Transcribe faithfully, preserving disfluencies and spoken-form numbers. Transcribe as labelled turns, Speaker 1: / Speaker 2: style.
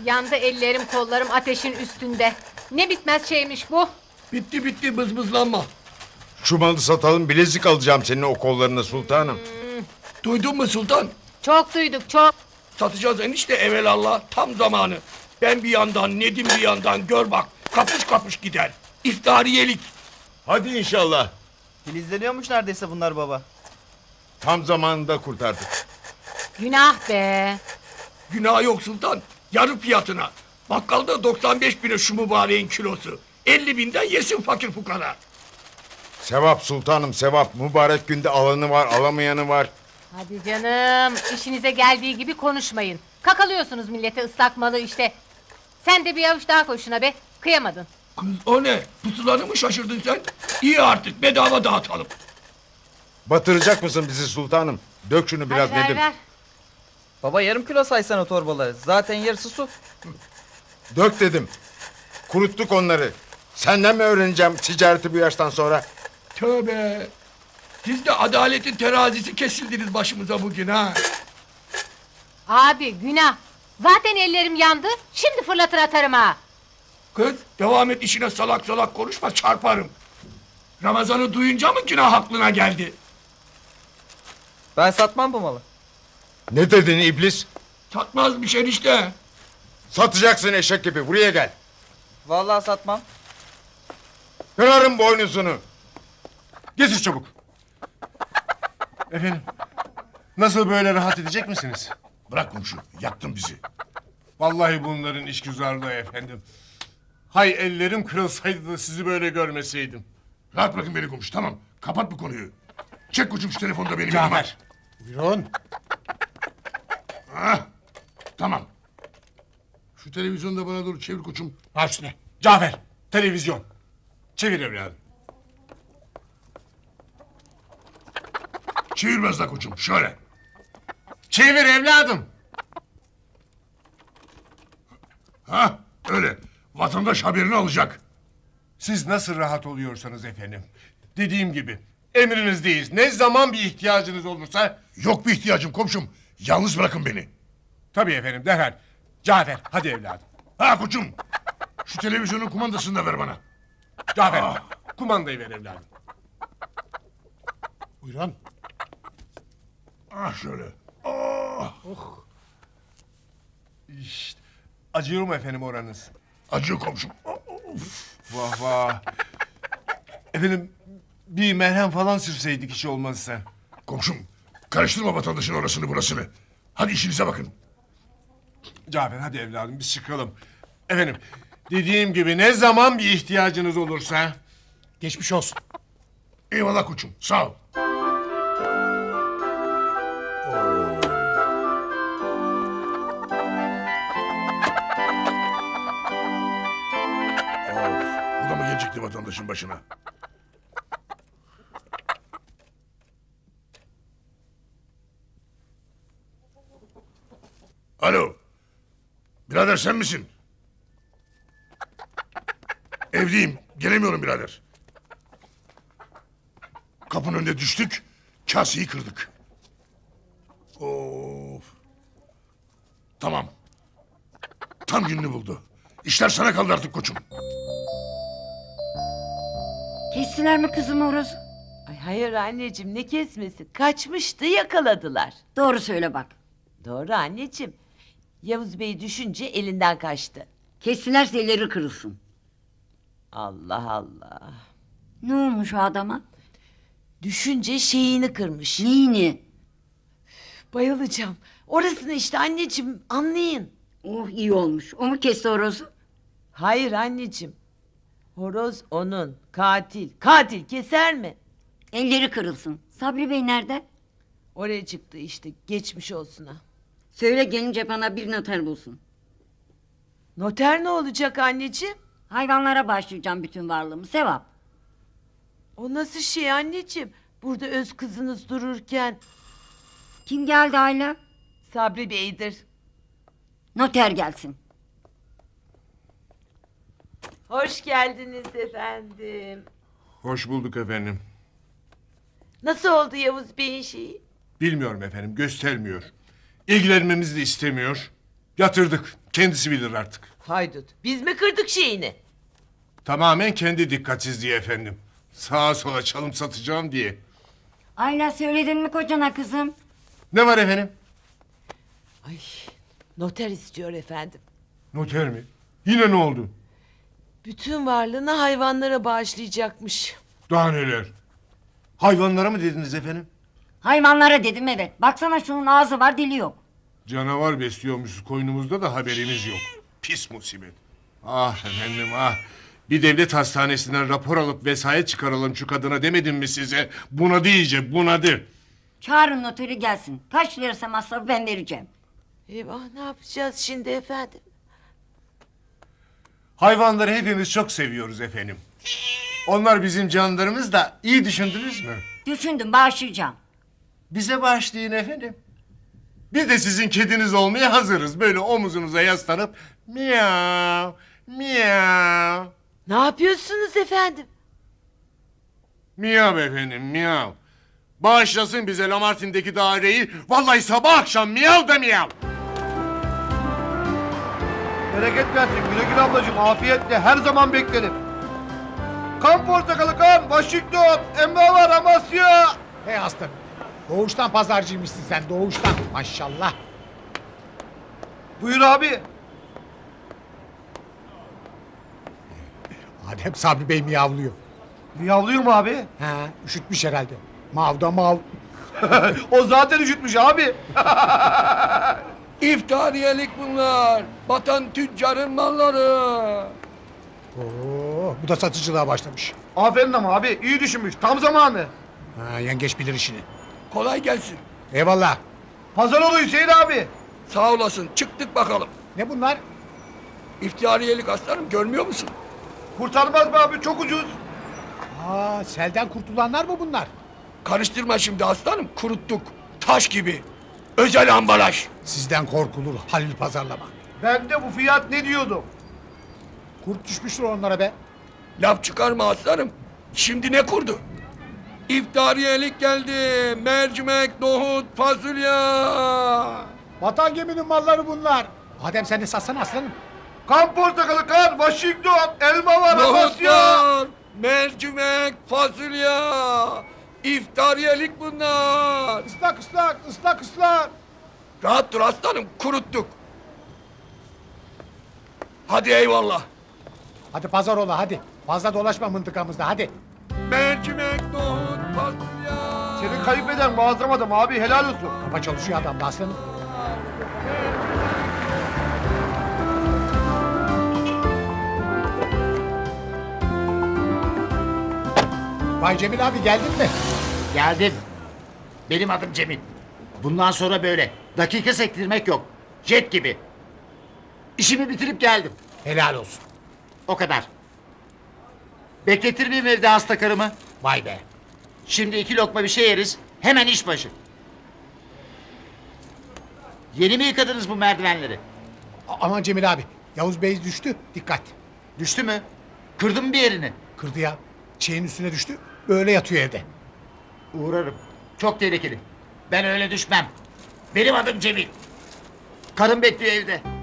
Speaker 1: yandı ellerim kollarım ateşin üstünde. Ne bitmez şeymiş bu.
Speaker 2: Bitti bitti bızbızlanma.
Speaker 3: Şu malı satalım, bilezik alacağım senin o kollarına sultanım.
Speaker 1: Hmm.
Speaker 2: Duydun mu sultan?
Speaker 1: Çok duyduk çok.
Speaker 2: Satacağız enişte evelallah, tam zamanı. Ben bir yandan, Nedim bir yandan, gör bak kapış kapış gider. İftariyelik.
Speaker 3: Hadi inşallah.
Speaker 4: Filizleniyormuş neredeyse bunlar baba.
Speaker 3: Tam zamanında kurtardık.
Speaker 1: Günah be.
Speaker 2: Günah yok sultan. Yarı fiyatına. Bakkalda doksan beş bine şu mübareğin kilosu. elli binden yesin fakir fukara.
Speaker 3: Sevap sultanım, sevap. Mübarek günde alanı var, alamayanı var.
Speaker 1: Hadi canım, işinize geldiği gibi konuşmayın. Kakalıyorsunuz millete ıslak malı işte. Sen de bir avuç daha koy şuna be. Kıyamadın.
Speaker 2: Kız o ne? Pusulanı mı şaşırdın sen? İyi artık bedava dağıtalım.
Speaker 3: Batıracak mısın bizi sultanım? Dök şunu biraz
Speaker 1: Hadi ver
Speaker 3: Nedim.
Speaker 1: ver.
Speaker 4: Baba yarım kilo saysana torbaları. Zaten yarısı su.
Speaker 3: Dök dedim. Kuruttuk onları. Senden mi öğreneceğim ticareti bu yaştan sonra?
Speaker 2: Tövbe. Siz de adaletin terazisi kesildiniz başımıza bugün ha.
Speaker 1: Abi günah. Zaten ellerim yandı. Şimdi fırlatır atarım ha.
Speaker 2: Kız devam et işine, salak salak konuşma, çarparım. Ramazan'ı duyunca mı günah aklına geldi?
Speaker 4: Ben satmam bu malı.
Speaker 3: Ne dedin iblis?
Speaker 2: Satmazmış enişte.
Speaker 3: Satacaksın eşek gibi, buraya gel.
Speaker 4: Vallahi satmam.
Speaker 3: Kırarım boynuzunu.
Speaker 5: Getir çabuk. Efendim, nasıl böyle rahat edecek misiniz?
Speaker 6: Bırak komşu, yaktın bizi.
Speaker 5: Vallahi bunların işgüzarlığı efendim. Hay ellerim kırılsaydı da sizi böyle görmeseydim.
Speaker 6: Rahat bırakın beni komşu, tamam. Kapat bu konuyu. Çek koçum şu telefonda benim elime.
Speaker 5: Cafer. Buyurun.
Speaker 6: Ha, tamam. Şu televizyonu da bana doğru çevir koçum.
Speaker 5: Baş üstüne. Cafer, televizyon. Çevir evladım.
Speaker 6: Çevir biraz daha koçum, şöyle.
Speaker 5: Çevir evladım.
Speaker 6: Ha, öyle. Vatandaş haberini alacak.
Speaker 5: Siz nasıl rahat oluyorsanız efendim. Dediğim gibi emrinizdeyiz. Ne zaman bir ihtiyacınız olursa...
Speaker 6: Yok bir ihtiyacım komşum. Yalnız bırakın beni.
Speaker 5: Tabii efendim, derhal. Cafer, hadi evladım.
Speaker 6: Ha koçum. Şu televizyonun kumandasını da ver bana.
Speaker 5: Cafer,
Speaker 6: Ah.
Speaker 5: kumandayı ver evladım. Buyurun.
Speaker 6: Ah şöyle. Ah.
Speaker 5: İşte, acıyor mu efendim oranız?
Speaker 6: Acıyor komşum. Of.
Speaker 5: Vah vah. Efendim, bir merhem falan sürseydik hiç olmazsa.
Speaker 6: Komşum, karıştırma vatandaşın orasını burasını. Hadi işinize bakın.
Speaker 5: Cafer, hadi evladım biz çıkalım. Efendim, dediğim gibi ne zaman bir ihtiyacınız olursa... Geçmiş olsun.
Speaker 6: Eyvallah koçum, sağ ol. Bu da mı gelecekti vatandaşın başına? Alo. Birader sen misin? Evdeyim. Gelemiyorum birader. Kapının önünde düştük. Kaseyi kırdık. Of. Tamam. Tam gününü buldu. İşler sana kaldı artık koçum.
Speaker 7: Kestiler mi kızım horozu?
Speaker 8: Ay hayır anneciğim ne kesmesi? Kaçmıştı yakaladılar.
Speaker 7: Doğru söyle bak.
Speaker 8: Doğru anneciğim. Yavuz Bey düşünce elinden kaçtı.
Speaker 7: Kestilerse elleri kırılsın.
Speaker 8: Allah Allah.
Speaker 7: Ne olmuş o adama?
Speaker 8: Düşünce şeyini kırmış.
Speaker 7: Neyini?
Speaker 8: Bayılacağım. Orasını işte anneciğim anlayın.
Speaker 7: Oh iyi olmuş. O mu kesti horozu?
Speaker 8: Hayır anneciğim. Horoz onun. Katil. Katil keser mi?
Speaker 7: Elleri kırılsın. Sabri Bey nerede?
Speaker 8: Oraya çıktı işte. Geçmiş olsun ha.
Speaker 7: Söyle gelince bana bir noter bulsun.
Speaker 8: Noter ne olacak anneciğim?
Speaker 7: Hayvanlara başlayacağım bütün varlığımı. Sevap.
Speaker 8: O nasıl şey anneciğim? Burada öz kızınız dururken
Speaker 7: Kim geldi Ayla?
Speaker 8: Sabri Bey'dir.
Speaker 7: Noter gelsin.
Speaker 8: Hoş geldiniz efendim.
Speaker 5: Hoş bulduk efendim.
Speaker 8: Nasıl oldu Yavuz Bey'in şeyi?
Speaker 5: Bilmiyorum efendim, göstermiyor. İlgilenmemizi de istemiyor. Yatırdık. Kendisi bilir artık.
Speaker 8: Haydut. Biz mi kırdık şeyini?
Speaker 5: Tamamen kendi dikkatsizliği efendim. Sağa sola çalım satacağım diye.
Speaker 7: Ayla söyledin mi kocana kızım?
Speaker 5: Ne var efendim?
Speaker 8: Ay, noter istiyor efendim.
Speaker 5: Noter mi? Yine ne oldu?
Speaker 8: Bütün varlığını hayvanlara bağışlayacakmış.
Speaker 5: Daha neler? Hayvanlara mı dediniz efendim?
Speaker 7: Hayvanlara dedim evet. Baksana şunun ağzı var dili yok.
Speaker 5: Canavar besliyormuşuz koynumuzda da haberimiz yok. Pis musibet. Ah efendim ah. Bir devlet hastanesinden rapor alıp vesayet çıkaralım şu kadına demedim mi size? Bunadı iyice bunadı.
Speaker 7: Çağırın noteri gelsin. Kaç lirası masrafı ben vereceğim.
Speaker 8: Eyvah ne yapacağız şimdi efendim?
Speaker 5: Hayvanları hepimiz çok seviyoruz efendim. Onlar bizim canlarımız da iyi düşündünüz mü?
Speaker 7: Düşündüm bağışlayacağım.
Speaker 5: Bize bağışlayın efendim. Biz de sizin kediniz olmaya hazırız. Böyle omuzunuza yaslanıp miyav miyav.
Speaker 8: Ne yapıyorsunuz efendim?
Speaker 5: Miyav efendim miyav. Bağışlasın bize Lamartin'deki daireyi. Vallahi sabah akşam miyav da miyav.
Speaker 9: Bereket versin güle güle ablacığım afiyetle her zaman beklerim. Kan portakalı kan Washington Emre var Amasya.
Speaker 10: Hey aslanım. Doğuştan pazarcıymışsın sen doğuştan maşallah.
Speaker 9: Buyur abi.
Speaker 10: Adem Sabri Bey miyavlıyor.
Speaker 9: Miyavlıyor mu abi?
Speaker 10: Ha, üşütmüş herhalde. Mav da mav.
Speaker 9: O zaten üşütmüş abi.
Speaker 2: İftariyelik bunlar. Batan tüccarın malları.
Speaker 10: Oo, bu da satıcılığa başlamış.
Speaker 9: Aferin ama abi iyi düşünmüş tam zamanı.
Speaker 10: Ha, yengeç bilir işini.
Speaker 2: Kolay gelsin.
Speaker 10: Eyvallah.
Speaker 9: Pazar olu Hüseyin abi.
Speaker 2: Sağ olasın. Çıktık bakalım.
Speaker 10: Ne bunlar?
Speaker 2: İftariyelik aslanım görmüyor musun?
Speaker 9: Kurtarmaz mı abi çok ucuz.
Speaker 10: Aa, selden kurtulanlar mı bunlar?
Speaker 2: Karıştırma şimdi aslanım. Kuruttuk. Taş gibi. Özel ambalaj.
Speaker 10: Sizden korkulur Halil pazarlama.
Speaker 9: Ben de bu fiyat ne diyordum.
Speaker 10: Kurt düşmüştür onlara be.
Speaker 2: Laf çıkarma aslanım. Şimdi ne kurdu? İftariyelik geldi. Mercimek, nohut, fasulye.
Speaker 10: Vatan geminin malları bunlar. Adem sen de satsana aslanım.
Speaker 9: Kan portakalı kan Washington elma var
Speaker 2: Nohut
Speaker 9: Amasya.
Speaker 2: var. Mercimek, fasulye. İftariyelik bunlar.
Speaker 10: Islak ıslak ıslak ıslak.
Speaker 2: Rahat dur aslanım. Kuruttuk. Hadi eyvallah.
Speaker 10: Hadi pazar ola hadi. Fazla dolaşma mıntıkamızda hadi.
Speaker 2: Mercimek, nohut, fasulye.
Speaker 9: Seni kayıp eden muazzam adam abi helal olsun.
Speaker 10: Kafa çalışıyor adamda aslanım. Vay Cemil abi geldin mi?
Speaker 11: Geldim. Benim adım Cemil. Bundan sonra böyle. Dakika sektirmek yok. Jet gibi. İşimi bitirip geldim.
Speaker 10: Helal olsun.
Speaker 11: O kadar. Bekletir miyim evde hasta karımı?
Speaker 10: Vay be.
Speaker 11: Şimdi iki lokma bir şey yeriz. Hemen iş başı. Yeni mi yıkadınız bu merdivenleri?
Speaker 10: A- aman Cemil abi. Yavuz Bey düştü. Dikkat.
Speaker 11: Düştü mü? Kırdın mı bir yerini?
Speaker 10: Kırdı ya. Çiğin üstüne düştü. Böyle yatıyor evde.
Speaker 11: Uğrarım. Çok tehlikeli. Ben öyle düşmem. Benim adım Cemil. Karım bekliyor evde.